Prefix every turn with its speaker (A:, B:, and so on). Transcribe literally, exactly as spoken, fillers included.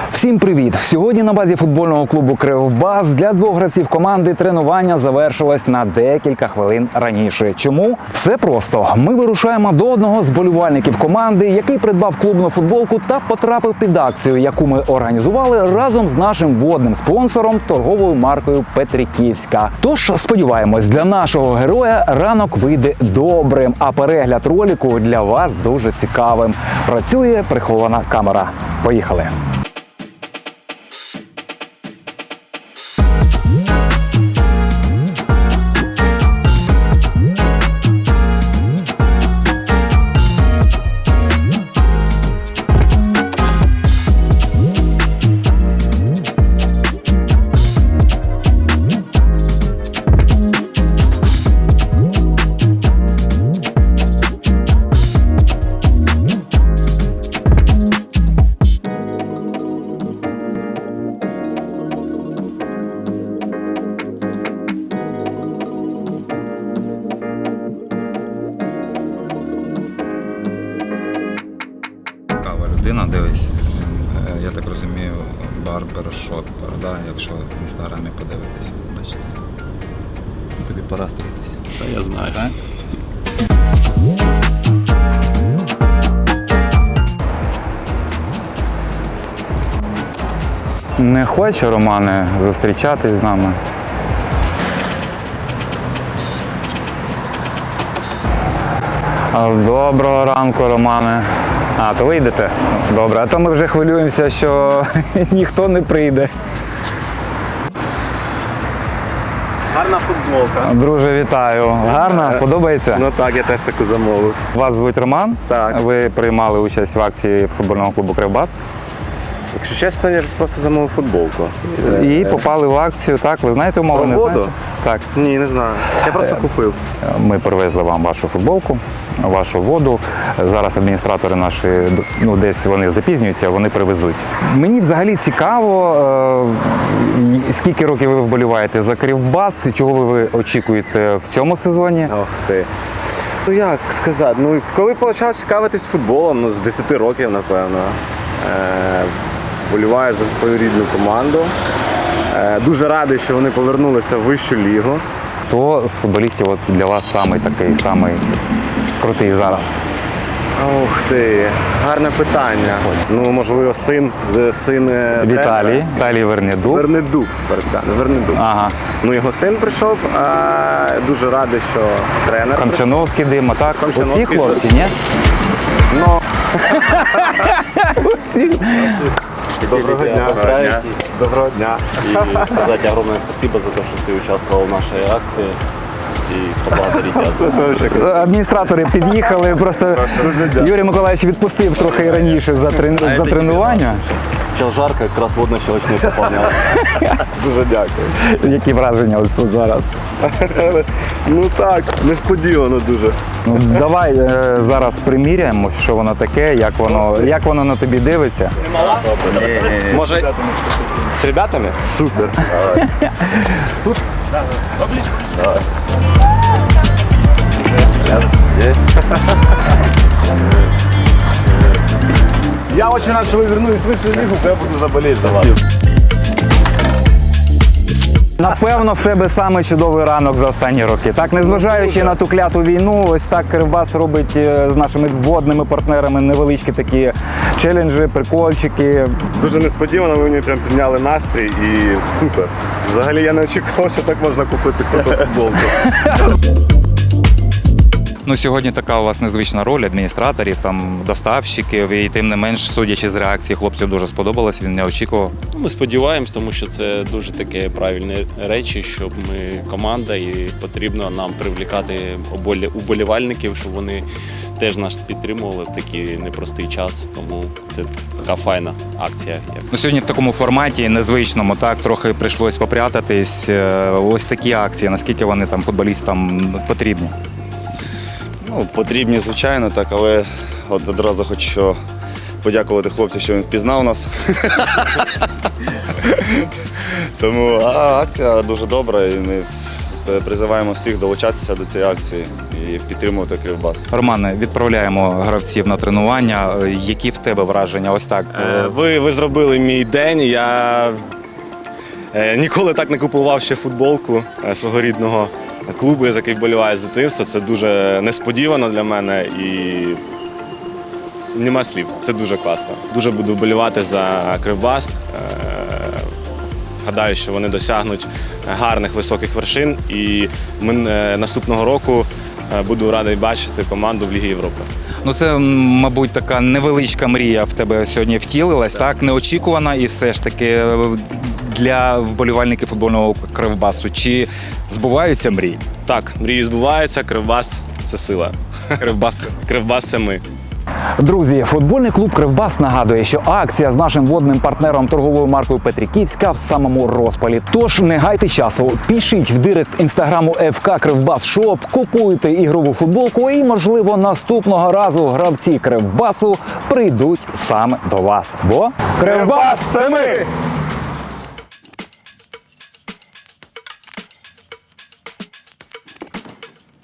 A: Всім привіт! Сьогодні на базі футбольного клубу «Кривбас» для двох гравців команди тренування завершилось на декілька хвилин раніше. Чому? Все просто. Ми вирушаємо до одного з болівальників команди, який придбав клубну футболку та потрапив під акцію, яку ми організували разом з нашим водним спонсором торговою маркою «Петриківська». Тож, сподіваємось, для нашого героя ранок вийде добрим, а перегляд ролику для вас дуже цікавим. Працює прихована камера. Поїхали!
B: Людина, дивись, я так розумію, барбершоп, да, якщо інстаграмі подивитись, бачите. Тобі пора стрітись.
C: Та я знаю.
B: Так? Не хоче, Романе, зустрічатись з нами? Доброго ранку, Романе. А, то ви йдете? Добре, а то ми вже хвилюємося, що ніхто не прийде.
C: Гарна футболка.
B: Друже, вітаю. Гарно? Подобається?
C: Ну так, я теж таку замовив.
B: Вас звуть Роман?
C: Так.
B: Ви приймали участь в акції футбольного клубу «Кривбас».
C: Якщо чесно, я просто замовив футболку.
B: І попали в акцію, так? Ви знаєте умови? Не
C: Воду?
B: знаєте? Так.
C: Ні, не знаю. Я просто купив.
B: Ми привезли вам вашу футболку, вашу воду. Зараз адміністратори наші, ну десь вони запізнюються, вони привезуть. Мені взагалі цікаво, е, скільки років ви вболіваєте за Кривбас, чого ви очікуєте в цьому сезоні?
C: Ох ти. Ну як сказати, ну коли почав цікавитись футболом, ну з десяти років, напевно. Е, Боліваю за свою рідну команду. Е, дуже радий, що вони повернулися в вищу лігу.
B: Хто з футболістів от для вас самий такий, самий крутий зараз?
C: Ух ти, гарне питання. Ну, можливо, син, син
B: Віталій, Віталій Вернедуб.
C: Вернедуб, перця, Вернедуб.
B: Ага.
C: Ну, його син прийшов, а дуже радий, що тренер.
B: Камчановський Дима, так? Оці
C: Камчановський
B: хлопці, ні?
C: Ну,
D: Доброго дня.
C: Доброго дня. Доброго дня.
D: И сказать огромное спасибо за то, что ты участвовал в нашей акции. І поблагодарити вас.
B: Адміністратори під'їхали, просто Юрій Миколаївич відпустив трохи раніше за, трен... за тренування.
D: Сейчас жарко, якраз водно-щелочний поповняв.
C: Дуже дякую.
B: Які враження ось тут зараз?
C: Ну так, несподівано дуже.
B: Ну, давай е, зараз приміряємо, що воно таке, як воно, як воно на тобі дивиться.
C: Може, з ребятами? Супер. Тут? Давай. Я очень рад, что вы вернулись в высшую лигу, я буду заболеть за вас.
B: Напевно, в тебе саме чудовий ранок за останні роки. Так, незважаючи на ту кляту війну, ось так Кривбас робить з нашими водними партнерами невеличкі такі челенджі, прикольчики.
C: Дуже несподівано, ви мені прям підняли настрій і супер. Взагалі я не очікував, що так можна купити круту футболку.
B: Ну, сьогодні така у вас незвична роль адміністраторів, там, доставщиків, і тим не менш, судячи з реакції, хлопців дуже сподобалось, він не очікував.
E: Ми сподіваємось, тому що це дуже таке правильні речі, щоб ми команда і потрібно нам привлікати уболівальників, щоб вони теж нас підтримували в такий непростий час. Тому це така файна акція.
B: Ну, сьогодні в такому форматі незвичному, так, трохи прийшлось попрятатись. Ось такі акції, наскільки вони там футболістам потрібні?
F: Ну, потрібні, звичайно, так, але от одразу хочу подякувати хлопцю, що він впізнав нас. Тому а, акція дуже добра і ми призиваємо всіх долучатися до цієї акції. І і підтримувати Кривбас.
B: Романе, відправляємо гравців на тренування. Які в тебе враження? Ось так.
C: Е, Ви, ви зробили мій день. Я е, ніколи так не купував ще футболку е, свого рідного клубу, за який вболіваю з дитинства. Це дуже несподівано для мене і нема слів. Це дуже класно. Дуже буду вболівати за Кривбас. Е, Гадаю, що вони досягнуть гарних високих вершин, і ми е, наступного року е, буду радий бачити команду в Лігі Європи.
B: Ну це, м, мабуть, така невеличка мрія в тебе сьогодні втілилась, так? Неочікувана і все ж таки е, для вболівальників футбольного Кривбасу. Чи збуваються мрії?
C: Так, мрії збуваються, Кривбас – це сила.
B: Кривбас.
C: Кривбас – це ми.
A: Друзі, футбольний клуб «Кривбас» нагадує, що акція з нашим водним партнером торговою маркою Петриківська в самому розпалі. Тож не гайте часу, пишіть в директ інстаграму еф ка Кривбас Шоп, купуйте ігрову футболку і, можливо, наступного разу гравці Кривбасу прийдуть саме до вас. Бо Кривбас – це ми!